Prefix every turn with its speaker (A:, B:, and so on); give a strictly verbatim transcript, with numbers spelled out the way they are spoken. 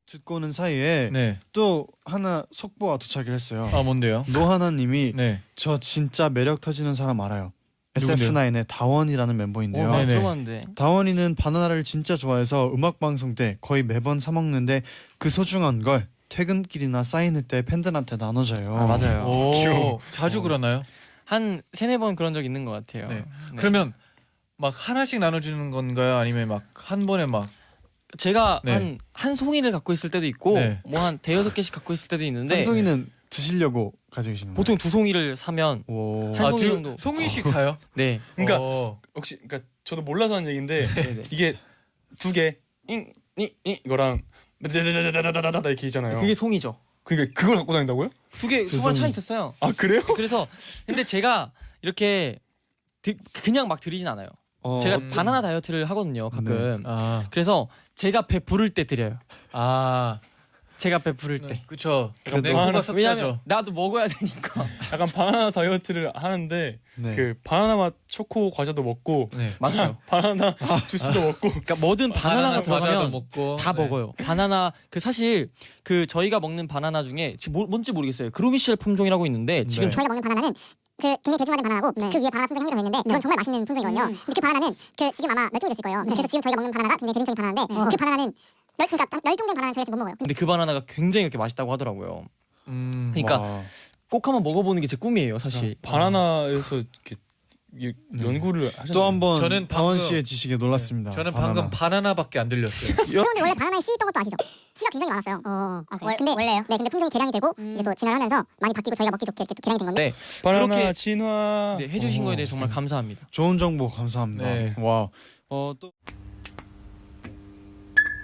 A: 듣고는 사이에
B: 네.
A: 또 하나 속보가 도착을 했어요.
B: 아 뭔데요?
A: 노하나님이
B: 네.
A: 저 진짜 매력 터지는 사람 알아요.
B: 누군데요?
A: 에스에프나인의 다원이라는 멤버인데요.
C: 어,
B: 네네.
C: 들어봤는데.
A: 다원이는 바나나를 진짜 좋아해서 음악 방송 때 거의 매번 사 먹는데 그 소중한 걸 퇴근길이나 사인회 때 팬들한테 나눠줘요.
C: 아 맞아요.
B: 오,
A: 귀여워.
B: 자주
A: 어.
B: 그러나요?
C: 한 세네 번 그런 적 있는 것 같아요.
B: 네.
C: 네.
B: 그러면 막 하나씩 나눠주는 건가요? 아니면 막 한 번에 막
C: 제가
B: 네.
C: 한 한 송이를 갖고 있을 때도 있고
B: 네.
C: 뭐 한 대여섯 개씩 갖고 있을 때도 있는데
A: 한 송이는 드시려고 가지고 계신 거예요?
C: 보통 두 송이를 사면
A: 오.
C: 한 송이
B: 두-
C: 정도.
B: 송이씩 사요?
C: 네.
D: 그러니까
B: 어.
D: 혹시 그러니까 저도 몰라서 하는 얘기인데
C: 네네.
D: 이게 두 개, 잉, 잉, 잉 이거랑 다다다다다다다 이렇게 있잖아요.
C: 그게 송이죠.
D: 그러니까 그걸 갖고 다닌다고요?
C: 두 개
A: 두
C: 수가 차
A: 송이.
C: 있었어요.
D: 아 그래요?
C: 그래서 근데 제가 이렇게 드, 그냥 막 드리진 않아요.
A: 어,
C: 제가
A: 어떤-
C: 바나나 다이어트를 하거든요, 가끔.
B: 아,
C: 그래서 제가 배 부를 때 드려요.
B: 아,
C: 제가 배 부를 때.
B: 그쵸.
A: 그래도-
B: 냉고가
D: 바나나-
B: 섞자죠.
C: 왜냐면 나도 먹어야 되니까.
D: 약간 바나나 다이어트를 하는데
A: 네.
D: 그 바나나 맛 초코 과자도 먹고
B: 네.
C: 맞아요.
D: 바나나 주스도 먹고
C: 그러니까 뭐든 바나나가
B: 과자도
C: 들어가면
B: 먹고
C: 다
B: 네.
C: 먹어요. 바나나 그 사실 그 저희가 먹는 바나나 중에 지금 뭐- 뭔지 모르겠어요. 그루미쉘 품종이라고 있는데 지금
A: 네.
C: 저-
E: 저희가 먹는 바나나는 그 굉장히 대중화된 바나나고 그 위에 바나나 품종이 한개더 있는데 그건 정말 맛있는 품종이거든요. 근데 그 바나나는 그 지금 아마 멸종이 됐을 거예요. 그래서 지금 저희가 먹는 바나나가 굉장히 대중적인 바나나인데 그 바나나는 멸 그러니까 멸종된 바나나는 저희가 지금 못 먹어요.
C: 근데 그 바나나가 굉장히 이렇게 맛있다고 하더라고요.
B: 음,
C: 그러니까
A: 와.
C: 꼭 한번 먹어보는 게 제 꿈이에요, 사실.
D: 바나나에서 이렇게 이- 연구를 하셨나요?
A: 또 한번
B: 저는
A: 다원
B: 방금-
A: 씨의 지식에 놀랐습니다.
B: 저는
A: 바나나.
B: 방금 바나나밖에 안 들렸어요.
E: 여러분들 원래 바나나에 씨 있던 것도 아시죠? 씨가 굉장히 많았어요. 어, 아, 그래요? 근데 원래요? 네, 근데 품종이 개량이 되고 이제 또 진화를 하면서 많이 바뀌고 저희가 먹기 좋게 이렇게 또 개량이 된 건데.
C: 네,
D: 바나나
C: 그렇게-
D: 진화
C: 네, 해주신
A: 오,
C: 거에 대해 정말
A: 맞습니다.
C: 감사합니다.
A: 좋은 정보 감사합니다.
B: 네.
A: 와. 어, 또